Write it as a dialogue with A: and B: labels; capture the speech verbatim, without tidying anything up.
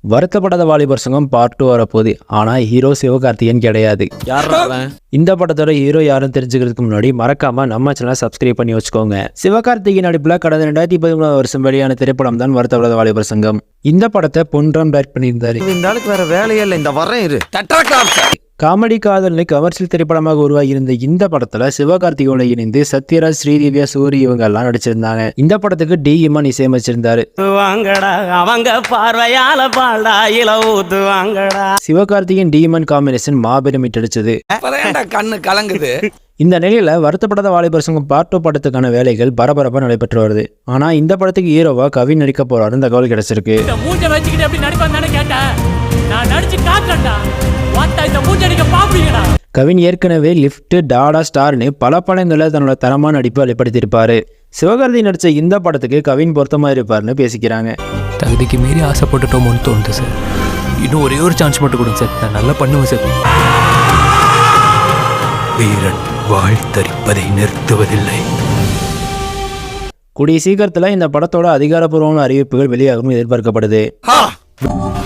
A: வருத்தப்படாத வாலிபர் சங்கம் பார்ட் டூ வரப்போகுது. ஆனால் ஹீரோ சிவகார்த்திகேயன் கிடையாது. இந்த படத்தோட ஹீரோ யாரும் தெரிஞ்சுக்கிறதுக்கு முன்னாடி மறக்காம நம்ம சேனலை சப்ஸ்கிரைப் பண்ணி வச்சுக்கோங்க. சிவகார்த்திகேயன் நடிப்பில் கடந்த ரெண்டாயிரத்தி பதிமூணாவது வருஷம் வெளியான திரைப்படம் தான் வருத்தப்படாத வாலிபர் சங்கம். இந்த படத்தை பொன்ராம் டைரக்ட் பண்ணியிருந்தாரு.
B: இந்த ஆளுக்கு வேற வேலையே இல்லை, இந்த வரேன் இரு.
A: காமெடி காதல்னு கமர்ஷியல் திரைப்படமாக உருவாகி இருந்த இந்த படத்துல சிவகார்த்திகேயனோட இணைந்து சத்யராஜ், ஸ்ரீதிவ்யா, சூரி இவங்க எல்லாம் நடிச்சிருந்தாங்க. இந்த படத்துக்கு டி இமான் இசையமைச்சிருந்தாரு. சிவகார்த்திகேயன் டி இமான் காம்பினேஷன் மாபெரும் ஹிட் அடிச்சது.
B: கண்ணு கலங்குது.
A: இந்த நிலையில வருத்தப்படாத வாலிபர் சங்கம் பார்ட் டூ படத்துக்கான வேலைகள் பரபரப்பா நடைபெற்று வருது. ஆனா இந்த படத்துக்கு ஹீரோவா கவின் நடிக்க போறாருன்னு தகவல் கிடைச்சிருக்கு. கவின் ஏற்கனவே லிஃப்ட், டாடா, ஸ்டார்னு பல படங்களில் தன்னோட தரமான நடிப்பை வெளிப்படுத்தியிருப்பாரு. சிவகார்த்தி நடிச்ச இந்த படத்துக்கு கவின் பொருத்தமா இருப்பாருன்னு பேசிக்கிறாங்க.
C: தகுதிக்கு மீறி ஆசைப்பட்டுட்டோமோன்னு தோணுது சார். இன்னும் ஒரே ஒரு சான்ஸ் மட்டும் கொடுங்க சார், நான் நல்லா பண்ணுவேன் சார். வீரன் வாழ்த்தரிப்பதை நிறுத்துவதில்லை.
A: கூடிய சீக்கிரத்தில் இந்த படத்தோட அதிகாரப்பூர்வமான அறிவிப்புகள் வெளியாகும் எதிர்பார்க்கப்படுது.